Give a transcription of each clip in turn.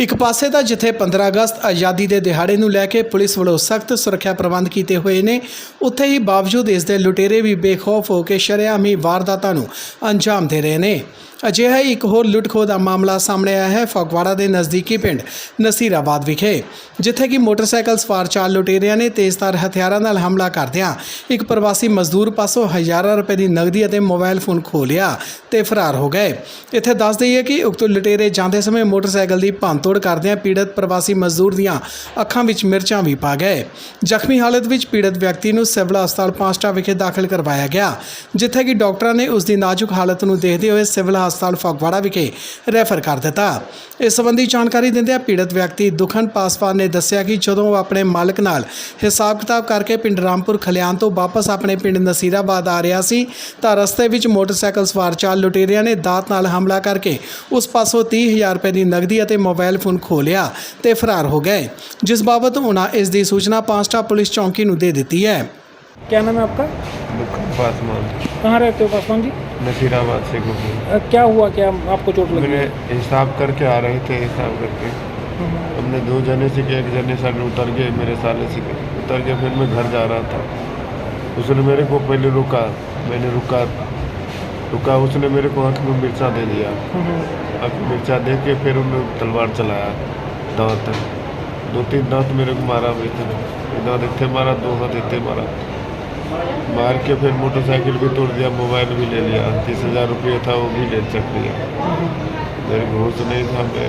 ਇੱਕ ਪਾਸੇ ਤਾਂ ਜਿੱਥੇ 15 ਅਗਸਤ ਆਜ਼ਾਦੀ ਦੇ ਦਿਹਾੜੇ ਨੂੰ ਲੈ ਕੇ ਪੁਲਿਸ ਵੱਲੋਂ ਸਖਤ ਸੁਰੱਖਿਆ ਪ੍ਰਬੰਧ ਕੀਤੇ ਹੋਏ ਨੇ, ਉੱਥੇ ਹੀ ਬਾਵਜੂਦ ਇਸ ਦੇ ਲੁਟੇਰੇ ਵੀ ਬੇਖੌਫ ਹੋ ਕੇ ਸ਼ਰੇਆਮ ਹੀ ਵਾਰਦਾਤਾਂ ਨੂੰ ਅੰਜਾਮ ਦੇ ਰਹੇ ਨੇ। ਅਜਿਹਾ ਹੀ ਇੱਕ ਹੋਰ ਲੁੱਟ-ਖੋਹ ਦਾ ਮਾਮਲਾ ਸਾਹਮਣੇ ਆਇਆ ਹੈ ਫਗਵਾੜਾ ਦੇ ਨਜ਼ਦੀਕੀ ਪਿੰਡ ਨਸੀਰਾਬਾਦ ਵਿਖੇ, ਜਿੱਥੇ ਕਿ ਮੋਟਰਸਾਈਕਲ ਸਵਾਰ 4 ਲੁਟੇਰਿਆਂ ਨੇ ਤੇਜ਼ਧਾਰ ਹਥਿਆਰਾਂ ਨਾਲ ਹਮਲਾ ਕਰਦਿਆਂ ਇੱਕ ਪ੍ਰਵਾਸੀ ਮਜ਼ਦੂਰ ਪਾਸੋਂ ਹਜ਼ਾਰਾਂ ਰੁਪਏ ਦੀ ਨਗਦੀ ਅਤੇ ਮੋਬਾਈਲ ਫੋਨ ਖੋਹ ਲਿਆ ਤੇ ਫਰਾਰ ਹੋ ਗਏ। ਇੱਥੇ ਦੱਸ ਦਈਏ ਕਿ ਉਕਤ ਲੁਟੇਰੇ ਜਾਂਦੇ ਸਮੇਂ ਮੋਟਰਸਾਈਕਲ ਦੀ ਭੰਨਤੋੜ ਕਰਦਿਆਂ ਪੀੜਤ ਪ੍ਰਵਾਸੀ ਮਜ਼ਦੂਰ ਦੀਆਂ ਅੱਖਾਂ ਵਿੱਚ ਮਿਰਚਾਂ ਵੀ ਪਾ ਗਏ। ਜ਼ਖਮੀ ਹਾਲਤ ਵਿੱਚ ਪੀੜਤ ਵਿਅਕਤੀ ਨੂੰ ਸਿਵਲ ਹਸਪਤਾਲ ਪਾਂਸਟਾ ਵਿਖੇ ਦਾਖਲ ਕਰਵਾਇਆ ਗਿਆ, ਜਿੱਥੇ ਕਿ ਡਾਕਟਰਾਂ ਨੇ ਉਸ ਦੀ ਨਾਜ਼ੁਕ ਹਾਲਤ ਨੂੰ ਦੇਖਦੇ ਹੋਏ ਸਿਵਲ ਹਸਪਤਾਲ ਫਗਵਾੜਾ ਵਿਖੇ ਰੈਫਰ ਕਰ ਦਿੱਤਾ। ਇਸ ਸੰਬੰਧੀ ਜਾਣਕਾਰੀ ਦਿੰਦਿਆਂ ਪੀੜਤ ਵਿਅਕਤੀ ਦੁਖਨ ਪਾਸਵਾਨ ਨੇ ਦੱਸਿਆ ਕਿ ਜਦੋਂ ਉਹ ਆਪਣੇ ਮਾਲਕ ਨਾਲ ਹਿਸਾਬ ਕਿਤਾਬ ਕਰਕੇ ਪਿੰਡ ਰਾਮਪੁਰ ਖਲਿਆਣ ਤੋਂ ਵਾਪਸ ਆਪਣੇ ਪਿੰਡ ਨਸੀਰਾਬਾਦ ਆ ਰਿਹਾ ਸੀ ਤਾਂ ਰਸਤੇ ਵਿੱਚ ਮੋਟਰਸਾਈਕਲ ਸਵਾਰ 4 ਲੁਟੇਰਿਆਂ ਨੇ ਦਾਤ ਨਾਲ ਹਮਲਾ ਕਰਕੇ ਉਸ ਪਾਸੋਂ 30,000 ਰੁਪਏ ਦੀ ਨਗਦੀ ਅਤੇ ਮੋਬਾਈਲ ਫੋਨ ਖੋਹ ਲਿਆ ਤੇ ਫਰਾਰ ਹੋ गए, जिस बाबत उन्हें इसकी सूचना पांसटा पुलिस चौकी नूं दे दी है। क्या नाम है आपका? पासवान। कहाँ रहते हो पासवान जी? नसीराबाद से गुजरे। क्या हुआ, क्या आपको चोट लगी? मैंने हिसाब करके आ रहे थे, हिसाब करके हमने 2 जने से किया, 1 जने साले उतर गए, मेरे साले से उतर गए। फिर मैं घर जा रहा था, उसने मेरे को पहले रुका, मैंने रुका, उसने मेरे को आँख में मिर्चा दे दिया। आँख में मिर्चा दे के फिर उन्होंने तलवार चलाया, दांत 2-3 दांत मेरे को मारा, दांत इतने मारा, 2 हाथ इतने मारा, मार के फिर मोटरसाइकिल भी तोड़ दिया, मोबाइल भी ले लिया, 30,000 रुपये था वो भी ले चक लिया। मेरे घूस नहीं था, मैं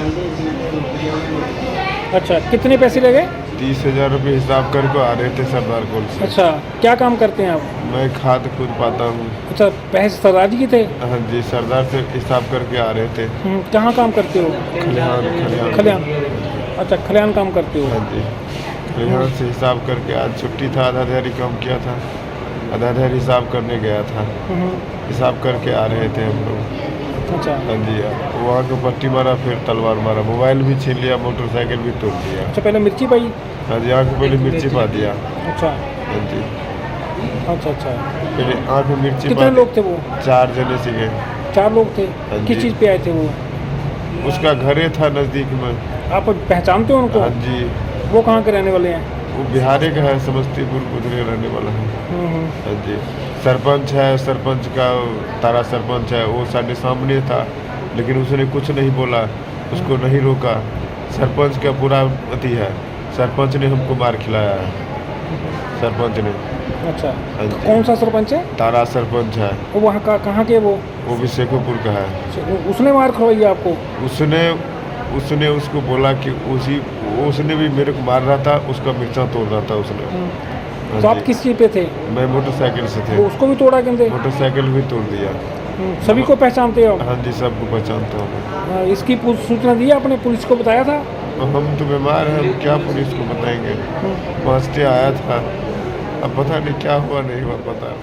फिर अच्छा, कितने पैसे लगे? 30,000 रुपये हिसाब करके आ रहे थे सरदार कोल से। अच्छा, क्या काम करते हैं आप? मैं खाद खुद पाता हूँ। अच्छा, पैसे सरदार जी के थे? हाँ जी, सरदार से हिसाब करके आ रहे थे। कहाँ काम करते हो? खलियान। अच्छा, खलियान काम करते हो? हाँ जी, खलियान से हिसाब करके आज छुट्टी था, आधा दिहाड़ी काम किया था, आधा दिहाड़ी हिसाब करने गया था, हिसाब करके आ रहे थे हम लोग। अच्छा। हाँ जी, वहाँ को पट्टी मारा, फिर तलवार मारा, मोबाइल भी छीन लिया, मोटरसाइकिल भी तोड़ दिया। अच्छा, पहले मिर्ची पाई? हाँ जी, आँख में पहले मिर्ची पा दिया। अच्छा। हाँ जी, अच्छा। पहले आँख में मिर्ची। कितने लोग थे वो? 4 जने से गए। 4 लोग थे? हाँ किस जी। चीज़ पे आए थे वो? उसका घर था नज़दीक में। आप पहचानते हो उनको? हाँ जी, वो कहाँ के रहने वाले हैं? वो बिहारी का है, समस्तीपुर गुजरे रहने वाला है। हाँ जी, सरपंच है, सरपंच का तारा सरपंच है, वो साढ़े सामने था, लेकिन उसने कुछ नहीं बोला, उसको नहीं रोका। सरपंच का पूरा अति है, सरपंच ने हमको मार खिलाया है, सरपंच ने। अच्छा, हाँ जी। कौन सा सरपंच है? तारा सरपंच है। वो वहाँ का कहाँ के? वो भी शेखोपुर का है। उसने मार खवाई आपको? उसने उसको बोला कि उसने भी मेरे को मार रहा था, उसका मिर्चा तोड़ रहा था उसने। तो आप किस चीज़ पे थे? मैं मोटरसाइकिल से थे। वो उसको भी तोड़ा कहते? मोटरसाइकिल भी तोड़ दिया। सभी को पहचानते हो? हाँ जी, सबको पहचानता हूँ। इसकी सूचना दी आपने? पुलिस को बताया था? हम तो बीमार हैं, हम क्या पुलिस को बताएंगे। पहुँचते आया था, अब पता नहीं क्या हुआ, नहीं हुआ पता।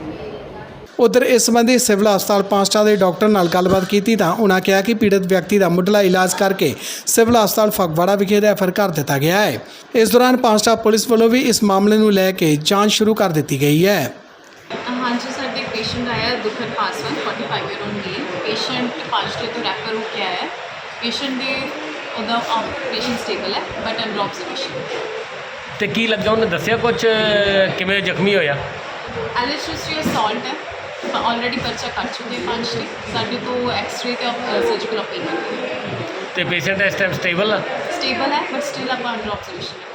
उधर इस संबंधी सिविल हस्पताल पांसटा के डॉक्टर नाल गलबात की तां उन्होंने कहा कि पीड़ित व्यक्ति का मुढ़ला इलाज करके सिविल हस्पताल फगवाड़ा विखे रैफर कर दिता गया है। इस दौरान पांसटा पुलिस वालों भी इस मामले को लैके जांच शुरू कर दी गई है। हाँ जी, साढ़े पेशेंट आया Dukhan Paswan 45 year old male. Patient पांचटे तो रैफर होकर आया है। पेशेंट के पेशेंट स्टेबल है बट अंडर ऑब्जर्वेशन। तो की लगा उन्हें दसिया कुछ किमें जख्मी होया? एलिस्ट्री असॉल्ट है, ऑलरेडी पर्चा कर चुके हैं पांचटे। साढ़े तो एक्सरे ते सर्जिकल ओपीनियन। तो पेशेंट इस टाइम स्टेबल है? स्टेबल है बट स्टिल आप अंडर ऑब्जर्वेशन है।